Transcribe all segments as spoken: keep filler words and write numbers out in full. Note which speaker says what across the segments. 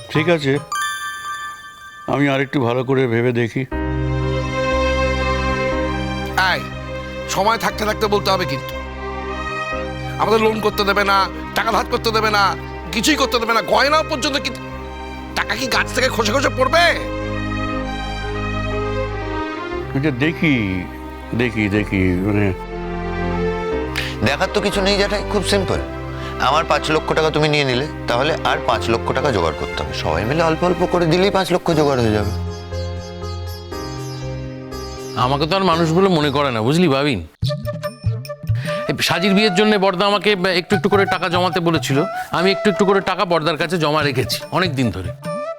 Speaker 1: ঠিক আছে, আমি আরেকটু ভালো করে ভেবে দেখি।
Speaker 2: এই সময় থাকতে থাকতে বলতে হবে কিন্তু। আমাদের লোন করতে দেবে না, টাকা ধার করতে দেবে না, কিছুই করতে দেবে না, গয়না পর্যন্ত কি টাকা কি গাছ থেকে খসে খসে পড়বে?
Speaker 1: আচ্ছা দেখি দেখি দেখি মানে
Speaker 3: দেখার তো কিছু নেই জ্যাঠাই, খুব সিম্পল। আমার পাঁচ লক্ষ টাকা তুমি নিয়ে নিলে, তাহলে আর পাঁচ লক্ষ টাকা জোগাড় করতে হবে। সবাই মিলে অল্প অল্প করে দিলেই পাঁচ লক্ষ জোগাড় হয়ে যাবে।
Speaker 4: আমাকে তো আর মানুষগুলো মনে করে না, বুঝলি বাবিন। সাজির বিয়ের জন্য বর্দা আমাকে একটু একটু করে টাকা জমাতে বলেছিল, আমি একটু একটু করে টাকা বর্দার কাছে জমা রেখেছি অনেক দিন ধরে।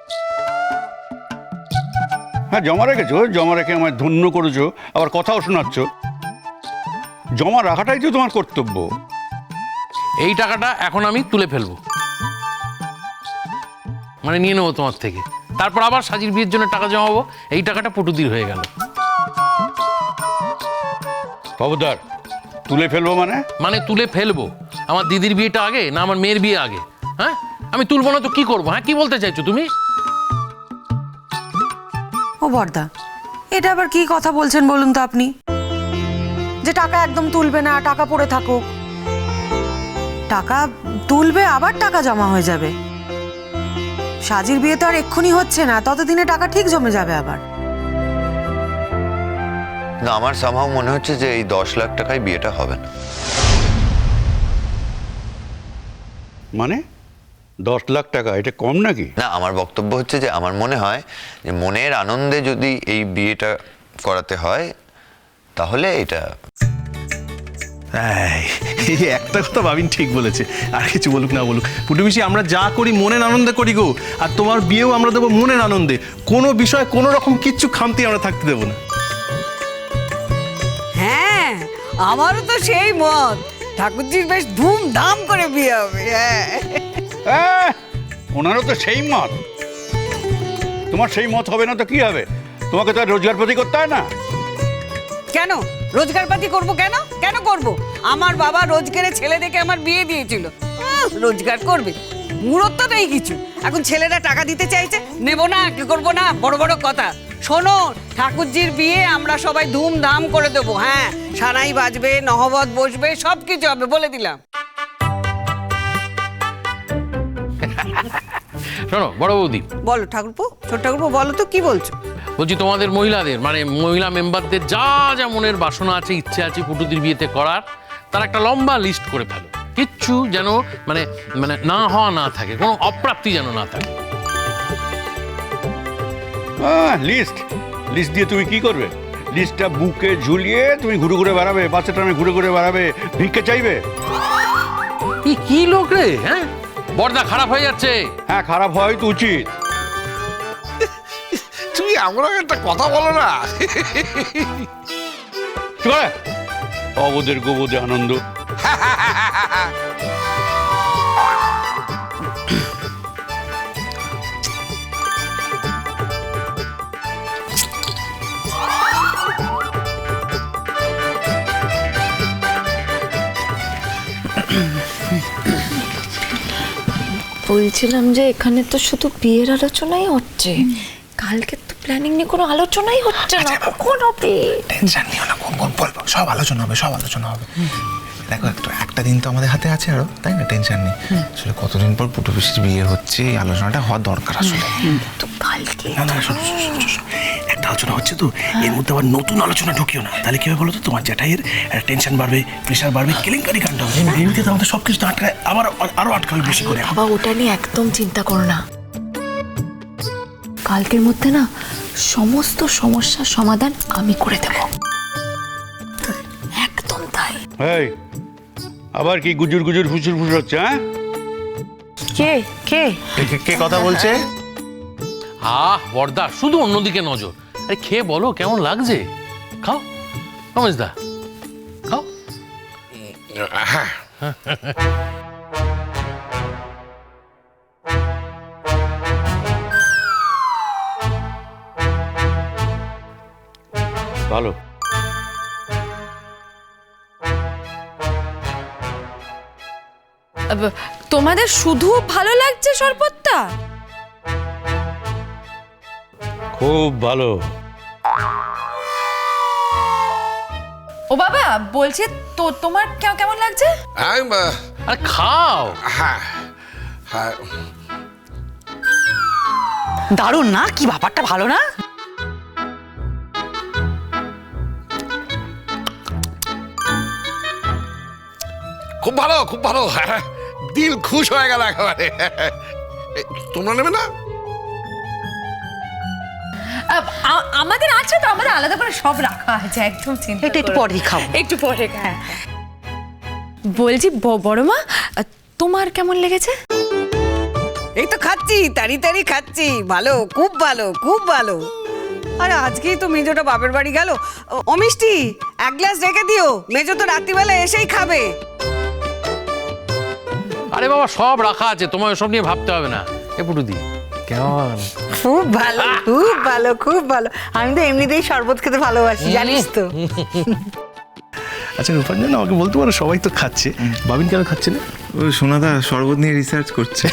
Speaker 1: হ্যাঁ জমা রেখেছো, জমা রেখে আমায় ধন্য করেছো, আবার কথাও শোনাচ্ছ। জমা রাখাটাই তো তোমার কর্তব্য।
Speaker 4: এই টাকাটা এখন আমি তুলে ফেলবো, মানে নিয়ে নেবো তোমার থেকে, তারপর আবার সাজির বিয়ের জন্য টাকা জমাবো। এই টাকাটা পটুদির হয়ে গেল।
Speaker 1: খবরদার, তুলে ফেলবো মানে?
Speaker 4: মানে তুলে ফেলবো। আমার দিদির বিয়েটা আগে না আমার মেয়ের বিয়ে আগে? হ্যাঁ, আমি তুলবো না তো কি করবো? হ্যাঁ, কি বলতে চাইছো তুমি?
Speaker 5: ও বর্দা, এটা আবার কি কথা বলছেন বলুন তো আপনি? যে টাকা একদম তুলবে না, টাকা পড়ে থাকুক। টাকা তুলবে আবার টাকা জমা হয়ে যাবে। সাজির বিয়ে তো আর এক্ষুনি হচ্ছে না, ততদিনে টাকা ঠিক জমে যাবে আবার।
Speaker 3: না, আমার সামহাও মনে হচ্ছে যে এই দশ লাখ টাকায় বিয়েটা হবে না।
Speaker 1: মানে দশ লাখ টাকা এটা কম নাকি?
Speaker 3: না, আমার বক্তব্য হচ্ছে যে আমার মনে হয় যে মনের আনন্দে যদি এই বিয়েটা করাতে হয় তাহলে এটা।
Speaker 6: এই একটা কথা ভাবিন ঠিক বলেছে, আর কিছু বলুক না বলুক পুটু পিসি, আমরা যা করি মনের আনন্দে করি গো। আর তোমার বিয়েও আমরা দেবো মনের আনন্দে, কোনো বিষয় কোনো রকম কিচ্ছু খামতি আমরা থাকতে দেবো না।
Speaker 7: হ্যাঁ, আমারও তো সেই মত। ঠাকুরজির বেশ ধুমধাম করে বিয়ে হবে। হ্যাঁ,
Speaker 1: আহ, ওনারও তো সেই মত। তোমার সেই মত হবে না তো কি হবে? তোমাকে তো আর রোজগার পাতি করতে হয় না।
Speaker 7: কেন রোজগার পাতি করবো? কেন কেন করব? আমার বাবা রোজগারে ছেলে দেখে আমার বিয়ে দিয়েছিল। উহ, রোজগার করবে, মূরত তো নেই কিছু। এখন ছেলেরা টাকা দিতে চাইছে, নেব না, কি করবো না, বড় বড় কথা। শোনো, ঠাকুরজির বিয়ে আমরা সবাই ধুমধাম করে দেবো। হ্যাঁ, সানাই বাজবে, নহবত বসবে, সব কিছু হবে, বলে দিলাম।
Speaker 4: শোনো বড় বৌদি,
Speaker 7: বলো ঠাকুরপো, ছোট ঠাকুরপো, বলো তো কি বলছো?
Speaker 4: বলছি তোমাদের মহিলাদের মানে মহিলা মেম্বারদের যা যা মনের বাসনা আছে, ইচ্ছে আছে পুটুদির বিয়েতে করার, তার একটা লম্বা লিস্ট করে ফেলো। কিচ্ছু যেন মানে মানে না হওয়া না থাকে, কোনো অপ্রাপ্তি যেন না থাকে।
Speaker 1: লিস্ট লিস্ট দিয়ে তুমি কি করবে? লিস্টটা বুকে ঝুলিয়ে তুমি ঘুরে ঘুরে বেড়াবে, বাচ্চা টামে ঘুরে ঘুরে বেড়াবে, ভিক্ষে চাইবে?
Speaker 4: কি কি লোক রে? হ্যাঁ, বর্দা খারাপ হয়ে যাচ্ছে।
Speaker 1: হ্যাঁ, খারাপ হয় তো উচিত।
Speaker 2: তুমি আমরা একটা কথা বলো না।
Speaker 1: কি করে? অবোধের গোবোধে আনন্দ।
Speaker 8: বলছিলাম যে এখানে তো শুধু বিয়ের আলোচনাই হচ্ছে, কালকে তো প্ল্যানিং নিয়ে কোনো আলোচনাই হচ্ছে না। কখন হবে?
Speaker 9: টেনশন নিও না, কোন কোন বলবো, সব আলোচনা হবে, সব আলোচনা হবে। দেখো একটা একটা দিন তো আমাদের হাতে আছে আরো, তাই না? টেনশন নেই। আসলে কতদিন পর পুটু পিসির বিয়ে হচ্ছে, এই আলোচনাটা হওয়া দরকার আসলে।
Speaker 8: তো কালকে
Speaker 9: না না, শোনো শোনো, শোনো, শোনো, একটা আলোচনা হচ্ছে তো, এর মধ্যে আবার নতুন আলোচনা ঢুকিও না, তাহলে কি হবে বলো তো? তোমার জ্যাঠাইয়ের টেনশন বাড়বে, প্রেশার বাড়বে, কেলেঙ্কারি কাণ্ড হবে। এমনিতে তো আমাদের সব কিছু আটকায়, আবার আরো আটকাবে বেশি করে।
Speaker 8: বাবা ওটা নিয়ে একদম চিন্তা করো না, কালকের মধ্যে না সমস্ত সমস্যার সমাধান আমি করে দেব। একদম তাই।
Speaker 1: এই আবার কি গুজুর গুজুর ফুসুর ফুসুর হচ্ছে? হ্যাঁ,
Speaker 5: কে কে
Speaker 6: কে কথা বলছে?
Speaker 4: আহ বর্দা, শুধু অন্যদিকে নজর। আরে খেয়ে বলো কেমন লাগছে। খাও রমেশ দা, খাও।
Speaker 1: ভালো।
Speaker 10: তোমাদের শুধু ভালো লাগছে শরবতটা?
Speaker 1: খুব ভালো।
Speaker 8: ও বাবা বলছে তো তোমার কে- কেমন লাগছে?
Speaker 2: আমি, আহ,
Speaker 4: আরে খাও।
Speaker 2: হ্যাঁ হ্যাঁ
Speaker 5: দারুণ না, কি ব্যাপারটা ভালো না?
Speaker 2: খুব ভালো খুব ভালো, হ্যাঁ, দিল খুশ হয়ে গেল একেবারে। এ, তোমরা নেবে না?
Speaker 8: আমাদের আছে তো, আমাদের আলাদা করে সব রাখা আছে, একদম চিন্তা
Speaker 5: এটা একটু পরেই খাবো।
Speaker 8: একটু পরে হ্যাঁ। বলছি ব- বড় মা, তোমার কেমন লেগেছে?
Speaker 7: এই তো খাচ্ছি, তাড়ি তাড়ি খাচ্ছি, ভালো, খুব ভালো, খুব ভালো। আরে আজকেই তো মেজোটা বাপের বাড়ি গেল। ও- ও মিষ্টি, এক গ্লাস রেখে দিও, মেজো তো রাত্রিবেলা এসেই খাবে।
Speaker 4: আরে বাবা সব রাখা আছে, তোমার সব নিয়ে ভাবতে হবে না। এ পুটুদি কেমন?
Speaker 5: খুব ভালো, খুব ভালো, খুব ভালো। আমি তো এমনিতেই শরবত খেতে ভালোবাসি, জানিস তো।
Speaker 6: আচ্ছা রূপাঞ্জন, আমাকে বলতে পারো সবাই তো খাচ্ছে, বাবিন কেন খাচ্ছে না?
Speaker 10: ও সোনাদা শরবত নিয়ে রিসার্চ করছে।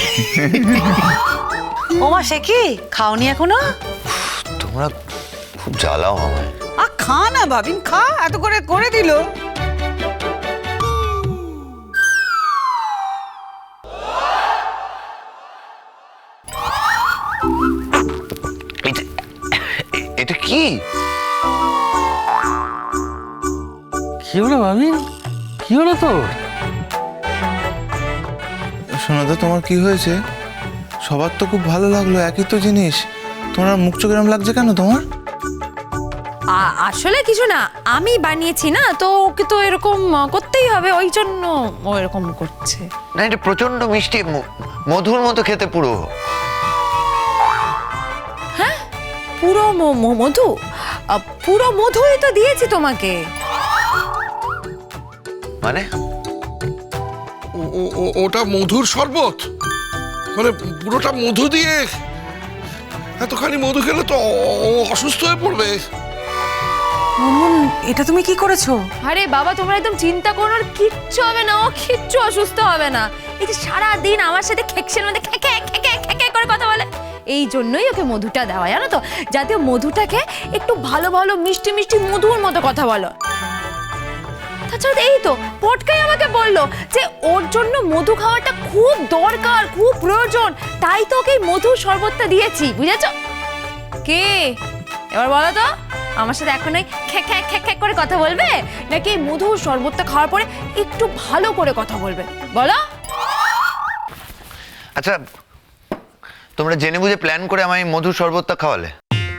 Speaker 5: ওমা সে কি খাওনি এখনো?
Speaker 3: তোমরা খুব জ্বালাও আমায়।
Speaker 7: আ খা না বাবিন, খা, এত করে করে দিল।
Speaker 3: এটা এ- এটা কি?
Speaker 4: কি হলো ভাবি, কি হলো তো?
Speaker 10: সোনাদা তোমার কি হয়েছে? সবার তো খুব ভালো লাগলো, একই তো জিনিস, তোমার মুখ চোখ এরম লাগছে কেন তোমার?
Speaker 8: আ- আসলে কিছু না, আমি বানিয়েছি না, তো ওকে তো এরকম করতেই হবে, ওই জন্য ও এরকম করছে।
Speaker 3: না এটা প্রচন্ড মিষ্টি, ম- মধুর মতো খেতে পুরো।
Speaker 8: পুরো ম- ম- মধু, আ, পুরো মধুই তো দিয়েছি তোমাকে।
Speaker 3: মানে
Speaker 2: ও- ও- ও- ওটা মধুর শরবত, মানে পুরোটা মধু দিয়ে? এতখানি মধু খেলে তো ও- ও অসুস্থ হয়ে পড়বে।
Speaker 5: মুনমুন, এটা তুমি কি করেছো?
Speaker 8: আরে বাবা তোমরা একদম চিন্তা করো না, কিচ্ছু হবে না, ও কিচ্ছু অসুস্থ হবে না। এই যে সারাদিন আমার সাথে খেকশের মধ্যে খেকে খেকে খেকে করে কথা বলে, এই জন্যই ওকে মধুটা দেওয়া, জানো তো, যাতে ও মধুটাকে একটু ভালো ভালো মিষ্টি মিষ্টি মধুর মতো কথা বলো। তাছাড়া এই তো পটকাই আমাকে বললো যে ওর জন্য মধু খাওয়াটা খুব দরকার, খুব প্রয়োজন, তাই তো ওকে এই মধু শরবতটা দিয়েছি, বুঝেছো? কে এবার বলো তো, আমার সাথে এখন ওই খ্যাক খ্যাক খ্যাক খ্যাক করে কথা বলবে, নাকি এই মধু শরবতটা খাওয়ার পরে একটু ভালো করে কথা বলবে, বলো?
Speaker 3: আচ্ছা তোমরা জেনে বুঝে প্ল্যান করে আমায় এই মধুর শরবতটা খাওয়ালে?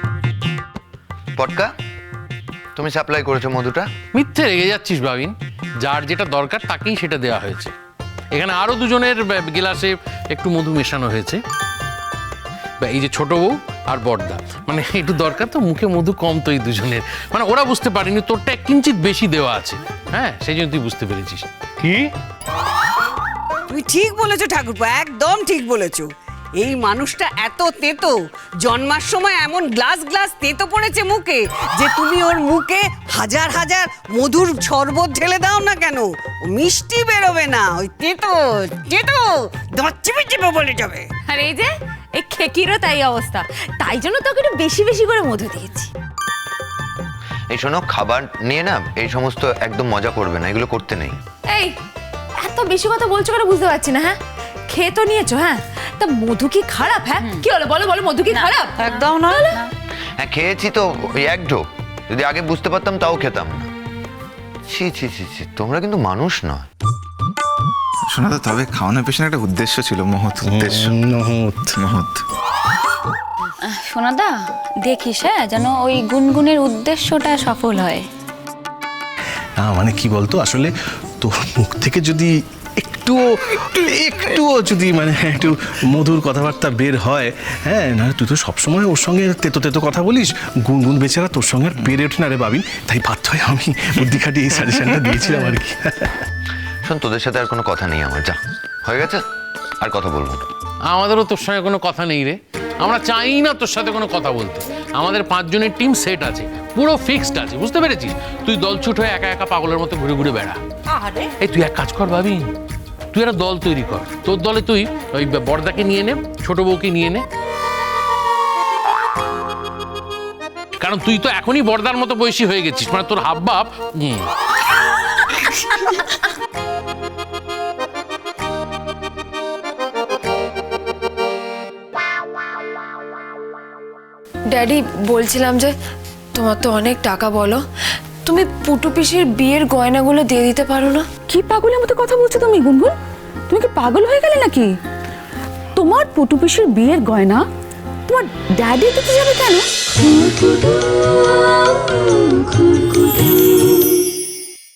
Speaker 3: পটকা, তুমি সাপ্লাই করেছো মধুটা?
Speaker 4: মিথ্যে রেগে যাচ্ছিস বাবিন, যার যেটা দরকার তাকেই সেটা দেওয়া হয়েছে। এখানে আরো দুজনের বে- গিলাসে একটু মধু মেশানো হয়েছে। বা এই যে ছোট বউ আর বড়দা, মানে একটু দরকার তো, মুখে মধু কম তো এই দুজনের, মানে ওরা বুঝতে পারেনি তোরটা কিঞ্চিত বেশি দেওয়া আছে, হ্যাঁ সেই জন্য তুই বুঝতে পেরেছিস।
Speaker 1: কি?
Speaker 7: তুমি ঠিক বলেছো ঠাকুরপো, একদম ঠিক বলেছো। এই মানুষটা এত তেতো, জন্মার সময় এমন গ্লাস গ্লাস তেতো পড়েছে মুখে যে তুমি ওর মুখে হাজার হাজার মধুর শরবত ঢেলে দাও না কেন, ও মিষ্টি বেরোবে না, ওই তেতো তেতো দাঁত চিপে চিপে বলে যাবে।
Speaker 8: আর এই যে এই খেকিরও তাই অবস্থা, তাই জন্য তোকে একটু বেশি বেশি করে মধু দিয়েছি।
Speaker 3: এই শোনো, খাবার নিয়ে না এই সমস্ত একদম মজা করবে না, এগুলো করতে নেই।
Speaker 8: এই এত বেশি কথা বলছো কেন বুঝতে পারছি না, হ্যাঁ খেয়ে তো নিয়েছো, হ্যাঁ তা মধু কি খারাপ? হ্যাঁ কি হলো বলো বলো, মধু কি খারাপ?
Speaker 5: একদম না।
Speaker 3: হ্যাঁ খেয়েছি তো ওই এক ঢোক, যদি আগে বুঝতে পারতাম তাও খেতাম না। ছি ছি ছি ছি, তোমরা কিন্তু মানুষ নয়।
Speaker 10: সোনাদা তবে খাওয়ানোর পেছনে একটা উদ্দেশ্য ছিল, মহৎ উদ্দেশ্য।
Speaker 6: নহত
Speaker 10: মহৎ।
Speaker 11: সোনাদা দেখিস হ্যাঁ, যেন ওই গুনগুনের উদ্দেশ্যটা সফল হয়।
Speaker 6: না মানে কি বলতো, আসলে তোর মুখ থেকে যদি একটুও একটুও যদি মানে একটু মধুর কথাবার্তা বের হয়, হ্যাঁ না তুই তো সবসময় ওর সঙ্গে তেতো তেতো কথা বলিস, গুনগুন বেচারা তোর সঙ্গে আর পেরে ওঠে না রে বাবিন, তাই বাধ্য হয়ে আমি বুদ্ধি খাটিয়ে এই সাজেশনটা দিয়েছিলাম আর কি।
Speaker 3: শোন, তোদের সাথে আর কোনো কথা নেই আমার, যা হয়ে গেছে, আর কথা বলবো না।
Speaker 4: আমাদেরও তোর সঙ্গে কোনো কথা নেই রে, আমরা চাই না তোর সাথে কোনো কথা বলতে। আমাদের পাঁচজনের টিম সেট আছে, পুরো ফিক্সড আছে, বুঝতে পেরেছিস? তুই দলছুট হয়ে একা একা পাগলের মতো ঘুরে ঘুরে বেড়া। এই তুই এক কাজ কর ভাবি, তুই একটা দল তৈরি কর, তোর দলে তুই ওই বড়দাকে নিয়ে নে, ছোট বউকে নিয়ে নে, কারণ তুই তো এখনই বর্দার মতো বয়সী হয়ে গেছিস, মানে তোর হাব ভাব হুম।
Speaker 8: ড্যাডি, বলছিলাম যে তোমার তো অনেক টাকা, বলো তুমি পুটু পিসির বিয়ের গয়নাগুলো দিয়ে দিতে পারো না?
Speaker 12: কি পাগলের মতো কথা বলছো তুমি গুনগুন? তুমি কি পাগল হয়ে গেলে নাকি? তোমার পুটু পিসির বিয়ের গয়না তোমার ড্যাডি দিতে যাবে কেন?